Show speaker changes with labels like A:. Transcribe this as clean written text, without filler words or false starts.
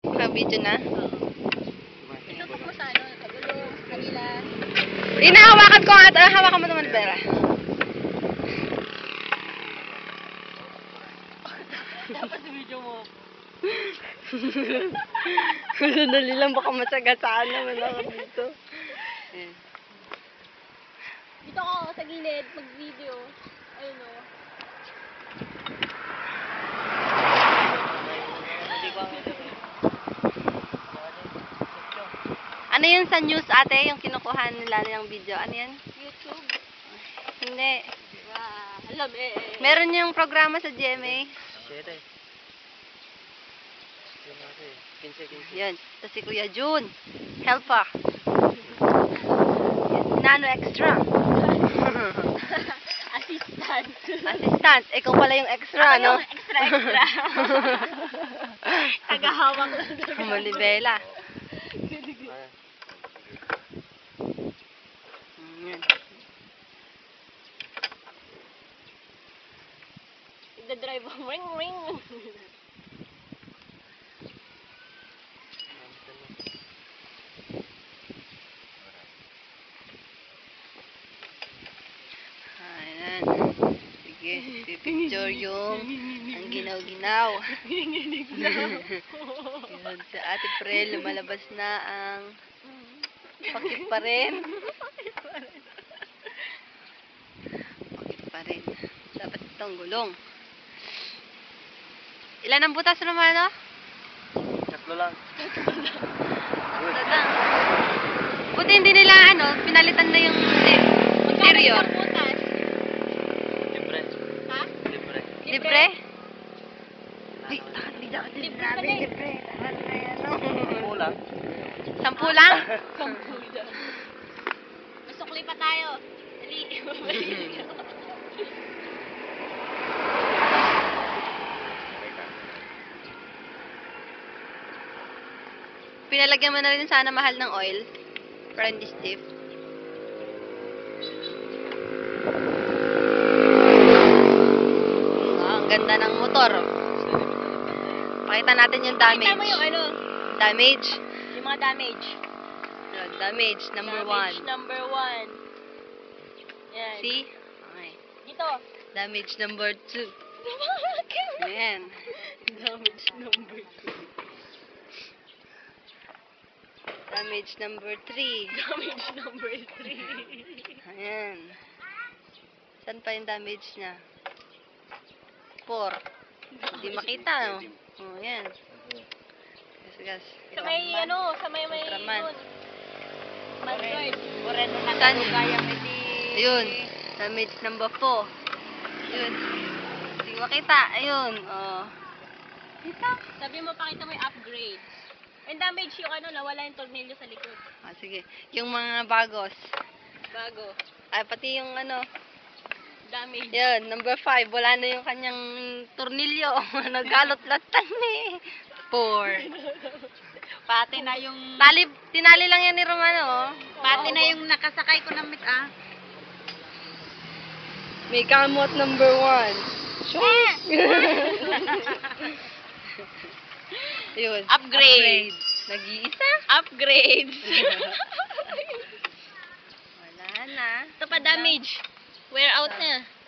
A: Naka-video na.
B: Itutok mo sa ano, kagulong, kanila.
A: Inahawakan ko at hawakan mo naman, Vera.
B: Dapat video mo.
A: Sandali lang, baka masagasaan naman ako dito.
B: Dito ako sa gilid, mag-video. Ayun o.
A: Ano yun sa news, ate? Yung kinukuha nila ng video. Ano yan?
B: YouTube.
A: Hindi.
B: Alam eh.
A: Meron yung programa sa GMA. Yan. Ito si Kuya Jun. Helper. Nano extra.
B: Assistant.
A: Assistant. Ikaw pala yung extra, no?
B: Yung extra. Tagahawak lang.
A: Malibela. Yan.
B: Ida-drive ang ring ring.
A: Ayan. Sige, pipicture yung ang ginaw-ginaw. Yun, sa Ate Prel, lumalabas na ang pakit pa rin. Pakit pa rin. Dapat itong gulong. Ilan ang butas naman, no?
C: 3 lang.
A: Tatlo lang. Buti hindi nila, pinalitan na yung interior.
B: Butas.
C: Libre.
B: Ha?
C: Libre.
A: Libre? Ay,
B: Libre pa din.
A: libre. Tahan na yan, no?
C: Kulang.
A: 10 lang?
B: Masukli pa tayo. Dali.
A: Pinalagyan mo na rin sana mahal ng oil. Para hindi stiff. Ang ganda ng motor. Pakita natin yung damage.
B: Pakita mo yung
A: Damage.
B: yung mga damage.
A: Damage number 1.
B: Damage number 1. Yan.
A: See? Okay.
B: Dito.
A: Damage number 2. Ayan.
B: Damage number 2.
A: Damage number 3.
B: Damage number 3.
A: Ayan. Saan pa yung damage niya? 4. Hindi makita, no? Oh, ayan. Gas.
B: Sa may sa may
A: Ultraman.
B: yun. Mandroid.
A: Moreno na kalugaya ayun. Damage number 4. Ayun. Hindi makita. Ayun. Oh. Dito.
B: Sabi mo, pakita mo yung upgrades. And damage yung nawala yung tornilyo sa likod.
A: Ah, sige. Yung mga bagos.
B: Bago.
A: Ay, pati yung
B: Damage.
A: yun, number 5. Wala na yung kanyang tornilyo. Nagkalot-latan eh. 4.
B: Pati na yung...
A: Tinali lang yan ni Romano, oh.
B: Pati na yung nakasakay ko ng
A: May kamot number 1. Sure. Yun.
B: Upgrade.
A: Nag-iisa.
B: Upgrades.
A: Wala na.
B: Ito pa damage. Wear out na.